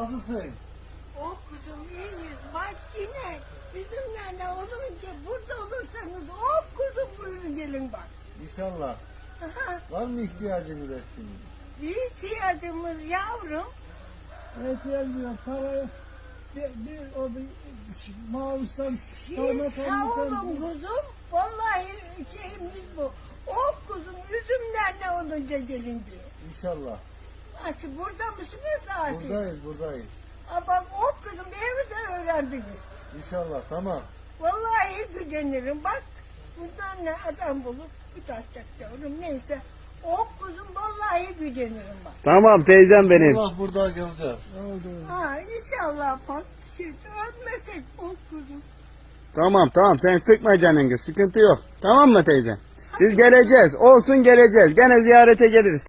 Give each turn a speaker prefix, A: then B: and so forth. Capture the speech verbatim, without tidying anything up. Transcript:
A: Nasılsın?
B: O kuzum iyiyiz. Bak yine bizimle ne olunca burada olursanız o kuzum buyurun gelin bak.
A: İnşallah.
B: Aha,
A: Var mı ihtiyacınız eksiniz?
B: ihtiyacımız yavrum.
C: ihtiyacım yok. Paraya bir, bir o bir mağustan
B: Siz
C: kaymak
B: sağ olun
C: almışlar.
B: kuzum. Vallahi şeyimiz bu. O kuzum üzümler ne olunca gelin diye.
A: İnşallah.
B: Nasıl burada mısınız Asi?
A: Buradayız, buradayız.
B: Aa, bak o kuzum evi de öğrendiniz.
A: İnşallah, tamam.
B: Vallahi gücenirim. Bak bundan ne adam bulup bir taş çakıyorum. Neyse. O kuzum vallahi gücenirim bak.
D: Tamam teyzem benim.
A: Allah burada göreceğiz.
C: Oldu.
B: Ha inşallah bak. Siz ölmesek o kuzum.
D: Tamam tamam sen sıkma canını, sıkıntı yok. Tamam mı teyze? Biz geleceğiz. Olsun geleceğiz. Gene ziyarete geliriz.